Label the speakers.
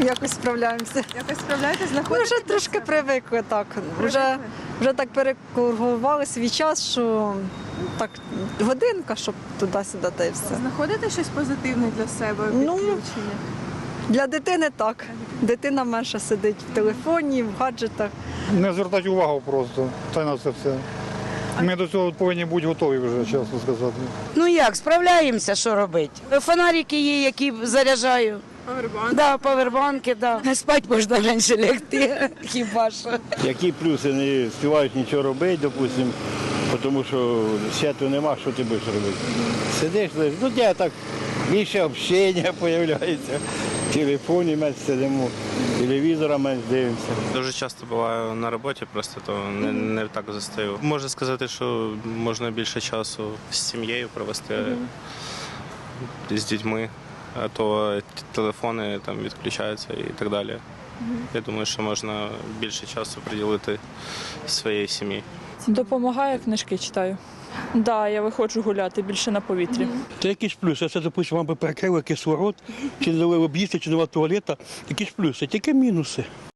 Speaker 1: Якось справляємося.
Speaker 2: Якось справляєтесь,
Speaker 1: Ми
Speaker 2: знаходите?
Speaker 1: вже трошки привикли так. Вже так перекургували свій час, що так годинка, щоб туди-сюди та й все.
Speaker 2: Знаходите щось позитивне для себе в
Speaker 1: Ну,
Speaker 2: відключенні?
Speaker 1: Для дитини так. Дитина менше сидить в телефоні, в гаджетах.
Speaker 3: Не звертати увагу просто, та й на це все. Ми до цього повинні бути готові вже, чесно сказати.
Speaker 4: Ну як, справляємося, що робити. Фонарики є, які заряджаю.
Speaker 2: Павербанк.
Speaker 4: Да, павербанки, да. Спать можна менше лягти, хіба що.
Speaker 5: Які плюси не співають нічого робити, допустимо, тому що святу нема, що ти будеш робити. Сидиш, лежиш, ну я так більше общення з'являється. В телефоні менше сидимо, телевізора менше дивимося.
Speaker 6: Дуже часто буваю на роботі, просто то не так застаю. Можна сказати, що можна більше часу з сім'єю провести, з дітьми, а то телефони там відключаються і так далі. Я думаю, що можна більше часу приділити своїй сім'ї.
Speaker 7: Допомагає, книжки читаю. Так, да, я виходжу гуляти більше на повітрі.
Speaker 8: Це якісь плюси. Це, допустимо, вам би перекрили кислород, чи не дали об'їсти, чи нема туалета. Якісь плюси, тільки мінуси.